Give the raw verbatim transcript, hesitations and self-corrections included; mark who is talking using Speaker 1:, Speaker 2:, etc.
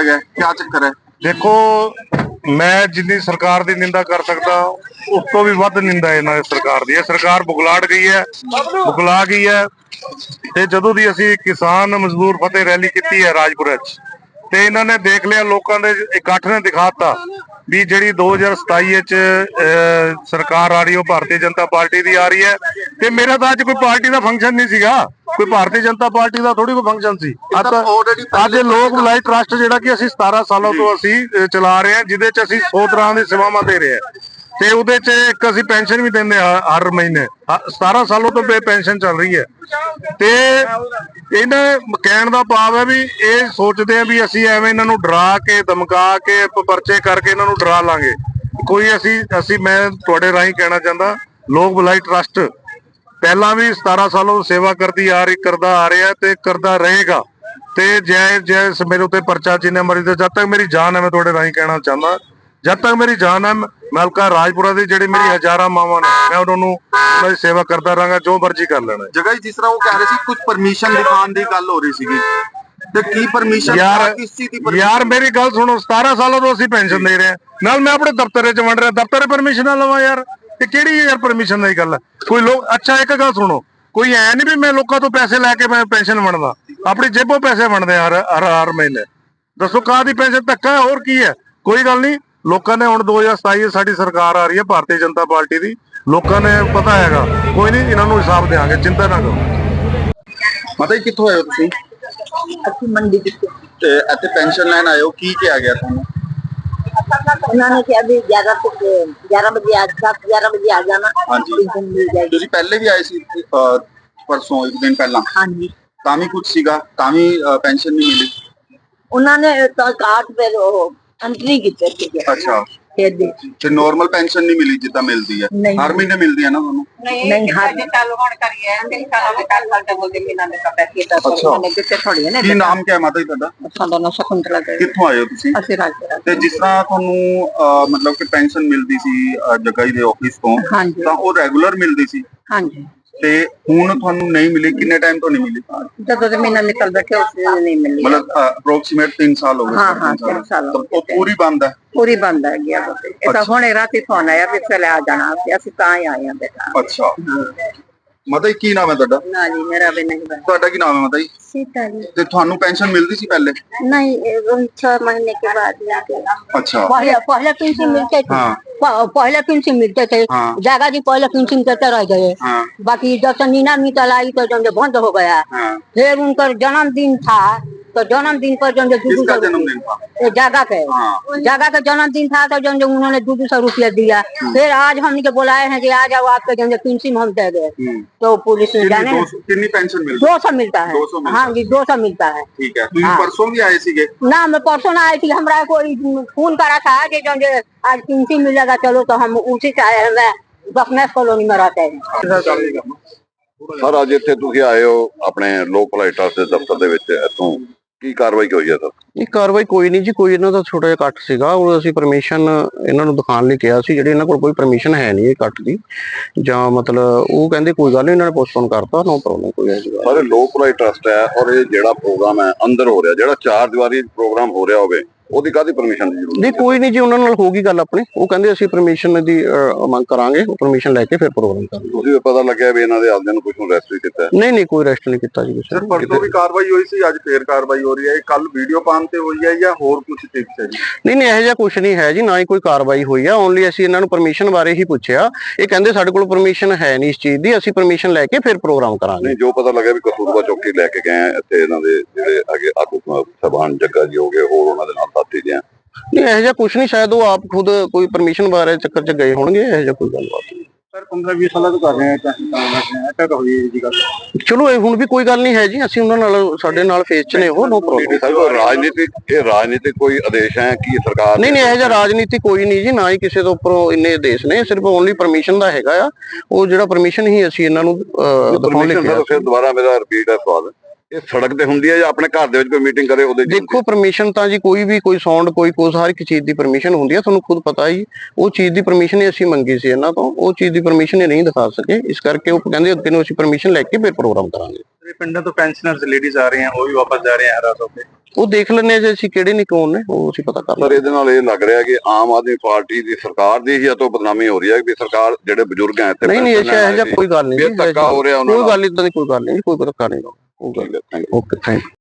Speaker 1: है, क्या चक्कर है?
Speaker 2: देखो मैं जिन्नी सरकार की निंदा कर सकता उस तो भी वध निंदा इन्हां दी सरकार दी है। सरकार बुगलाड़ गई है, बुगला गई है। ते जदों दी असीं किसान मजदूर फतेह रैली की है राजपुरा च, ते इन्हां ने देख लिया, लोकां दे इकट्ठ ने दिखाता भी जिहड़ी दो हज़ार सताई च सरकार आ रही है भारतीय जनता पार्टी दी आ रही है। ते मेरा तो अज कोई पार्टी का फंक्शन नहीं सीगा, कोई भारतीय जनता पार्टी का थोड़ी कोई फंक्शन सी। अज लोक भलाई ट्रस्ट जिहड़ा कि असीं सतारह सालों तो असीं चला रहे हैं, जिहदे च असीं सौ तरह दी सेवावां दे रहे हैं, ते उहदे च एक असीं पेंशन भी दिंदे हर महीने। सतारह सालों तो पेंशन चल रही है। ते इन्हां कहण दा भाव है भी ये सोचते हैं भी असीं एवें इन्हां नूं डरा के धमका के परचे करके इन्हां नूं डरा लांगे। कोई असीं असीं मैं तुहाडे राहीं कहना चाहता, लोक भलाई ट्रस्ट पहला भी सतारह सालों सेवा करती आ रही करदा आ रहा है ते करदा रहेगा। ते जै जै मेरे उत्ते परचा जिन्ने मरी ते जब तक मेरी जान है, मैं तुहाडे राहीं कहना चाहता, जब तक मेरी जान है मैं हल्का राजपुरा दी जिहड़ी मेरी हजारां मावां ने मैं उन्हां नूं उन्हां दी सेवा करदा रहांगा, जो मर्जी कर लेना।
Speaker 1: जगह जिस तरह वो कह रहे सी कुछ परमिशन दिखाने दी गल हो रही सीगी, ते की परमिशन
Speaker 2: यार
Speaker 1: किस चीज दी?
Speaker 2: यार मेरी गल सुनो, सतारह सालों तो असीं पेंशन दे रहे हैं, नाल मैं अपने दफ्तर च वंड रहा, दफ्तर परमिशन ना लवां यार, ते किहड़ी यार परमिशन दी गल है? कोई लोग अच्छा एक गल सुनो, कोई ऐ नहीं भी मैं लोगों तो पैसे लैके मैं पेंशन वंडदा, अपनी जेबों पैसे वंडदे हर हर हर महीने। दसो काहदी पेंशन? धक्का है, होर की है? कोई गल नहीं, लोगों ने हुण दो हज़ार सताई साडी सरकार आ रही है भारतीय जनता पार्टी दी, लोगों ने पता हैगा, कोई नहीं इन्हां नूं हिसाब देंगे, चिंता ना करो।
Speaker 1: माता जी कित्थों आए हो तुसीं?
Speaker 3: ਅਸੀਂ ਮੰਡੀ ਵਿੱਚ
Speaker 1: ਤੇ ਇੱਥੇ ਪੈਨਸ਼ਨ ਲੈਣ ਆਏ ਹੋ, ਕੀ ਕਿਹਾ ਗਿਆ ਤੁਹਾਨੂੰ?
Speaker 3: ਉਹਨਾਂ ਨੇ ਕਿਹਾ ਵੀ ਗਿਆਰਾਂ ਤੋਂ ਗਿਆਰਾਂ ਵਜੇ ਆ ਦਸ ਗਿਆਰਾਂ ਵਜੇ ਆ ਜਾਣਾ,
Speaker 1: ਹਾਂਜੀ।
Speaker 3: ਪੈਨਸ਼ਨ ਮਿਲ ਜਾਏਗੀ।
Speaker 1: ਤੁਸੀਂ ਪਹਿਲੇ ਵੀ ਆਏ ਸੀ ਅਹ, ਪਰਸੋਂ ਇੱਕ ਦਿਨ ਪਹਿਲਾਂ,
Speaker 3: ਹਾਂਜੀ,
Speaker 1: ਤਾਂ ਵੀ ਕੁਝ ਸੀਗਾ, ਤਾਂ ਵੀ ਪੈਨਸ਼ਨ ਨਹੀਂ ਮਿਲੀ?
Speaker 3: ਉਹਨਾਂ ਨੇ ਤਾਂ ਕਾਰਡ ਫਿਰ ਉਹ ਐਂਟਰੀ ਕੀਤੀ ਸੀਗੀ।
Speaker 1: ਅੱਛਾ,
Speaker 3: ਫਿਰ ਦੇ
Speaker 1: ਤੇ ਨਾਰਮਲ ਪੈਨਸ਼ਨ ਨਹੀਂ ਮਿਲੀ ਜਿੱਦਾਂ ਮਿਲਦੀ ਹੈ?
Speaker 3: ਨਹੀਂ।
Speaker 1: ਹਰ ਮਹੀਨੇ ਮਿਲਦੀ ਹੈ ਨਾ ਤੁਹਾਨੂੰ?
Speaker 3: ਨਹੀਂ ਹਰ
Speaker 4: चालू होने करिए तीन सालों में चार साल तक बोलते कि ना का पैसे तो
Speaker 1: अच्छा।
Speaker 4: मैंने कितने थोड़ी है ना
Speaker 1: ਕੀ ਨਾਮ ਕਿਆ ਹੈ ਮਾਤਾ ਜੀ ਤੁਹਾਡਾ?
Speaker 4: सालों ना शकुंतला के
Speaker 1: ਕਿੱਥੋਂ ਆਏ ਹੋ ਤੁਸੀਂ?
Speaker 4: ਅਸੀਂ ਰਾਜਪੁਰਾ
Speaker 1: ਤੇ ਜਿਸ ਤਰ੍ਹਾਂ ਤੁਹਾਨੂੰ ਅਹ, ਮਤਲਬ ਕਿ ਪੈਨਸ਼ਨ ਮਿਲਦੀ ਸੀ ਅਹ, ਜਗਾਈ ਦੇ ਆਫਿਸ ਤੋਂ,
Speaker 4: ਹਾਂਜੀ
Speaker 1: ਤਾਂ ਉਹ ਰੈਗੂਲਰ ਮਿਲਦੀ ਸੀ,
Speaker 4: ਹਾਂਜੀ
Speaker 1: ਤੇ ਹੁਣ ਤੁਹਾਨੂੰ ਨਹੀਂ ਮਿਲੀ, ਕਿੰਨੇ ਟਾਈਮ ਤੋਂ ਨਹੀਂ ਮਿਲੀ?
Speaker 4: ਜਦੋਂ ਦੇ ਮਹੀਨਾ ਨਿਕਲ बैठे उसने नहीं मिली
Speaker 1: मतलब अप्रोक्सीमेट तीन साल हो गए?
Speaker 4: हाँ हाँ तीन साल
Speaker 1: तो वो पूरी बंद है?
Speaker 4: पूरी बंद है गया तो ये तो हुणे रात ही फोन आया भी चले आ जाना, ਅਸੀਂ ਤਾਂ ਹੀ ਆਏ ਆ बेटा।
Speaker 1: अच्छा, ਮਾਤਾ ਜੀ ਕੀ ਨਾਮ ਹੈ ਤੁਹਾਡਾ?
Speaker 4: ना जी मेरा भी नहीं बना
Speaker 1: ਤੁਹਾਡਾ ਕੀ ਨਾਮ ਹੈ ਮਾਤਾ ਜੀ?
Speaker 3: ਸੀਤਾ ਜੀ
Speaker 1: ਤੇ ਤੁਹਾਨੂੰ ਪੈਨਸ਼ਨ ਮਿਲਦੀ ਸੀ ਪਹਿਲੇ?
Speaker 3: नहीं, छह महीने के बाद जाके
Speaker 1: अच्छा,
Speaker 3: पहले पहले पेंशन मिलते थे।
Speaker 1: हाँ।
Speaker 3: प- पहले पेंशन मिलते थे,
Speaker 1: हाँ।
Speaker 3: जागा जी पहले पेंशन करते रह गए।
Speaker 1: हाँ
Speaker 3: बाकी जब से नीना मितल आई तो जो बंद हो गया।
Speaker 1: हाँ।
Speaker 3: फिर उनका जन्मदिन था तो जन्मदिन पर जो
Speaker 1: किसका जन्मदिन था?
Speaker 3: जागा के
Speaker 1: हाँ।
Speaker 3: जागा का जन्मदिन था तो जो जो उन्होंने दो दो सौ रुपया दिया। फिर आज हमने के बुलाए हैं कि आ जाओ आपके जो पेंशन हम दे गए, तो पुलिस ने जाने
Speaker 1: कितनी दो- कितनी पेंशन मिलती?
Speaker 3: दो सौ मिलता है।
Speaker 1: दो सौ मिलता
Speaker 3: हाँ जी, दो सौ मिलता है।
Speaker 1: ठीक है, ਤੁਸੀਂ
Speaker 3: हाँ।
Speaker 1: परसों भी आए सीगे?
Speaker 3: ना मैं परसों ना आई थी, हमारा कोई फोन करा था कि जो जो आज पेंशन मिलेगा चलो, तो हम उसी से आए हैं। मैं बखनेस कॉलोनी में रहते हैं।
Speaker 5: ਸਰ ਅੱਜ ਇੱਥੇ ਤੁਸੀਂ ਆਏ ਹੋ ਆਪਣੇ ਲੋਕ ਭਲਾਈ ਟਰਸਟ ਦੇ ਦਫ਼ਤਰ ਦੇ ਵਿੱਚ, ਇੱਥੋਂ ਕੀ ਕਾਰਵਾਈ ਹੋਈ ਹੈ ਸਰ?
Speaker 6: ਇਹ ਕਾਰਵਾਈ ਕੋਈ ਨਹੀਂ ਜੀ, ਕੋਈ ਇਹਨਾਂ ਦਾ ਛੋਟਾ ਜਿਹਾ ਕੱਟ ਸੀਗਾ, ਉਹ ਅਸੀਂ ਪਰਮਿਸ਼ਨ ਇਹਨਾਂ ਨੂੰ ਦਿਖਾਉਣ ਲਈ ਕਿਹਾ ਸੀ, ਜਿਹੜੀ ਇਹਨਾਂ ਕੋਲ ਕੋਈ ਪਰਮਿਸ਼ਨ ਹੈ ਨਹੀਂ ਇਹ ਕੱਟ ਦੀ, ਜਾਂ ਮਤਲਬ ਉਹ ਕਹਿੰਦੇ ਕੋਈ ਗੱਲ ਨਹੀਂ, ਇਹਨਾਂ ਨੇ ਪੋਸਟਪੋਨ ਕਰਤਾ, ਨੋ ਪ੍ਰੋਬਲਮ ਕੋਈ ਹੈ ਜੀ।
Speaker 5: ਸਰ ਲੋਕ ਭਲਾਈ ਟਰਸਟ ਹੈ, ਔਰ ਇਹ ਜਿਹੜਾ ਪ੍ਰੋਗਰਾਮ ਹੈ ਅੰਦਰ ਹੋ ਰਿਹਾ, ਜਿਹੜਾ ਚਾਰ ਦੀਵਾਰੀ ਪ੍ਰੋਗਰਾਮ ਹੋ ਰਿਹਾ ਹੋਵੇ, ਉਹਦੀ ਕਾਹਦੀ ਪਰਮਿਸ਼ਨ ਦੀ ਜ਼ਰੂਰਤ?
Speaker 6: ਨਹੀਂ ਕੋਈ ਨਹੀਂ ਜੀ, ਉਹਨਾਂ ਨਾਲ ਹੋਗੀ ਗੱਲ ਆਪਣੀ, ਉਹ ਕਹਿੰਦੇ ਅਸੀਂ ਪਰਮਿਸ਼ਨ ਦੀ ਅਹ, ਮੰਗ ਕਰਾਂਗੇ, ਉਹ ਪਰਮਿਸ਼ਨ ਲੈ ਕੇ ਫਿਰ ਪ੍ਰੋਗਰਾਮ ਕਰਾਂਗੇ।
Speaker 5: ਤੁਸੀਂ ਪਤਾ ਲੱਗਿਆ ਵੀ ਇਹਨਾਂ ਦੇ ਆਪਦਿਆਂ ਨੂੰ ਕੁਝ ਨੂੰ ਅਰੈਸਟ ਵੀ ਕੀਤਾ?
Speaker 6: ਨਹੀਂ ਨਹੀਂ ਕੋਈ ਅਰੈਸਟ ਨਹੀਂ ਕੀਤਾ ਜੀ ਕਿਸੇ
Speaker 1: ਸਰ ਪਰਸੋਂ ਵੀ ਕਾਰਵਾਈ ਹੋਈ ਸੀ, ਅੱਜ ਫੇਰ ਕਾਰਵਾਈ ਹੋ ਰਹੀ ਹੈ, ਕੱਲ ਵੀਡੀਓ ਪਾਉਣ ਤੇ ਹੋਈ ਹੈ ਜਾਂ ਹੋਰ ਕੁਝ ਟਿਪਸ ਹੈ ਜੀ?
Speaker 6: ਨਹੀਂ ਨਹੀਂ ਇਹੋ ਜਿਹਾ ਕੁਝ ਨਹੀਂ ਹੈ ਜੀ, ਨਾ ਹੀ ਕੋਈ ਕਾਰਵਾਈ ਹੋਈ ਆ, ਓਨਲੀ ਅਸੀਂ ਇਹਨਾਂ ਨੂੰ ਪਰਮਿਸ਼ਨ ਬਾਰੇ ਹੀ ਪੁੱਛਿਆ, ਇਹ ਕਹਿੰਦੇ ਸਾਡੇ ਕੋਲ ਪਰਮਿਸ਼ਨ ਹੈ ਨਹੀਂ ਇਸ ਚੀਜ਼ ਦੀ, ਅਸੀਂ ਪਰਮਿਸ਼ਨ ਲੈ ਕੇ ਫਿਰ ਪ੍ਰੋਗਰਾਮ ਕਰਾਂਗੇ।
Speaker 5: ਨਹੀਂ, ਜੋ ਪਤਾ ਲੱਗਿਆ ਵੀ ਕਸੂਰਬਾ ਚੌਕੀ ਲੈ ਕੇ ਗਏ ਆ, ਇੱਥੇ ਇਹਨਾਂ ਦੇ ਜਿਹੜੇ ਅੱਗੇ ਆਗੂ ਸਭਾਨ ਜੱਗਾ ਜੀ ਹੋ ਗਏ, ਹੋਰ ਉਹਨਾਂ ਦੇ ਨਾਲ ਸਾਥੀ ਜੀ।
Speaker 6: ਨਹੀਂ ਇਹੋ ਜਿਹਾ ਕੁਝ ਨਹੀਂ, ਸ਼ਾਇਦ ਉਹ ਆਪ ਖੁਦ ਕੋਈ ਪਰਮਿਸ਼ਨ ਬਾਰੇ ਚੱਕਰ 'ਚ ਗਏ ਹੋਣਗੇ, ਇਹੋ ਜਿਹਾ ਕੋਈ ਗੱਲਬਾਤ ਨਹੀਂ।
Speaker 1: ਸਰ ਪੰਦਰਾਂ ਵੀਹ ਸਾਲਾਂ ਤੋਂ ਕਰ ਰਹੇ ਆ ਤਾਂ ਤਾਂ ਹੋਈ ਜੀ ਗੱਲ।
Speaker 6: ਚਲੋ ਇਹ ਹੁਣ ਵੀ ਕੋਈ ਗੱਲ ਨਹੀਂ ਹੈ ਜੀ, ਅਸੀਂ ਉਹਨਾਂ ਨਾਲ ਸਾਡੇ ਨਾਲ ਫੇਸ 'ਚ ਨੇ ਉਹ, ਨੋ ਪ੍ਰੋਬਲਮ।
Speaker 5: ਸਰ ਰਾਜਨੀਤਿਕ ਇਹ ਰਾਜਨੀਤਿਕ ਕੋਈ ਆਦੇਸ਼ ਹੈ ਕਿ ਸਰਕਾਰ?
Speaker 6: ਨਹੀਂ ਨਹੀਂ ਇਹੋ ਜਿਹਾ ਰਾਜਨੀਤੀ ਕੋਈ ਨਹੀਂ ਜੀ, ਨਾ ਹੀ ਕਿਸੇ ਤੋਂ ਉੱਪਰੋਂ ਇੰਨੇ ਆਦੇਸ਼ ਨੇ, ਸਿਰਫ ਓਨਲੀ ਪਰਮਿਸ਼ਨ ਦਾ ਹੈਗਾ ਆ, ਉਹ ਜਿਹੜਾ ਪਰਮਿਸ਼ਨ ਹੀ ਅਸੀਂ ਇਹਨਾਂ ਨੂੰ ਦਿਖਾਉਣ ਲਈ ਕਿਹਾ।
Speaker 5: ਫਿਰ ਦੁਬਾਰਾ ਮੇਰਾ ਰਿਪੀਟ ਹੈ ਸਵਾਲ, ਇਹ ਸੜਕ ਤੇ ਹੁੰਦੀ ਹੈ ਜਾਂ ਆਪਣੇ ਘਰ ਦੇ ਵਿੱਚ ਕੋਈ ਮੀਟਿੰਗ ਕਰੇ ਉਹਦੇ?
Speaker 6: ਦੇਖੋ ਪਰਮਿਸ਼ਨ ਤਾਂ ਜੀ ਕੋਈ ਵੀ ਕੋਈ ਸਾਊਂਡ ਕੋਈ ਕੁਝ ਹਰ ਇੱਕ ਚੀਜ਼ ਦੀ ਪਰਮਿਸ਼ਨ ਹੁੰਦੀ ਹੈ, ਤੁਹਾਨੂੰ ਖੁਦ ਪਤਾ ਹੀ, ਉਹ ਚੀਜ਼ ਦੀ ਪਰਮਿਸ਼ਨ ਹੀ ਅਸੀਂ ਮੰਗੀ ਸੀ ਇਹਨਾਂ ਤੋਂ, ਉਹ ਚੀਜ਼ ਦੀ ਪਰਮਿਸ਼ਨ ਹੀ ਨਹੀਂ ਦਿਖਾ ਸਕੇ, ਇਸ ਕਰਕੇ ਉਹ ਕਹਿੰਦੇ ਅੱਗੇ ਨੂੰ ਅਸੀਂ ਪਰਮਿਸ਼ਨ ਲੈ ਕੇ ਫਿਰ ਪ੍ਰੋਗਰਾਮ ਕਰਾਂਗੇ।
Speaker 2: ਪਿੰਡਾਂ ਤੋਂ ਪੈਨਸ਼ਨਰਸ ਲੇਡੀਜ਼ ਆ ਰਹੇ ਹਨ, ਉਹ ਵੀ ਵਾਪਸ ਜਾ ਰਹੇ ਹਨ ਹਰਾਸ ਹੋ ਕੇ।
Speaker 6: ਉਹ ਦੇਖ ਲੈਣੇ ਜੇ ਅਸੀਂ ਕਿਹੜੇ ਨੇ ਕੌਣ ਨੇ ਉਹ ਅਸੀਂ ਪਤਾ ਕਰ
Speaker 5: ਸਰ
Speaker 6: ਲਾਂਗੇ।
Speaker 5: ਇਹਦੇ ਨਾਲ ਇਹ ਲੱਗ ਰਿਹਾ ਕਿ ਆਮ ਆਦਮੀ ਪਾਰਟੀ ਦੀ ਸਰਕਾਰ ਦੀ ਹੀ ਤੋਂ ਬਦਨਾਮੀ ਹੋ ਰਹੀ ਹੈ ਵੀ ਸਰਕਾਰ ਜਿਹੜੇ ਬਜ਼ੁਰਗ ਹੈ ਇੱਥੇ
Speaker 6: ਨਹੀਂ ਨਹੀਂ
Speaker 5: ਪੈਨਸ਼ਨ ਲੈਣ
Speaker 6: ਇਹੋ ਜਿਹਾ
Speaker 5: ਆਏ
Speaker 6: ਕੋਈ ਗੱਲ ਨਹੀਂ
Speaker 5: ਫਿਰ ਧੱਕਾ ਹੋ ਰਿਹਾ ਉਹਨਾਂ
Speaker 6: ਕੋਈ
Speaker 5: ਨਾਲ।
Speaker 6: ਗੱਲ ਇਦਾਂ ਦੀ ਕੋਈ ਗੱਲ ਨਹੀਂ ਕੋਈ ਧੱਕਾ ਨਹੀਂ।
Speaker 5: ਠੀਕ ਹੈ, thank you।
Speaker 6: Okay thank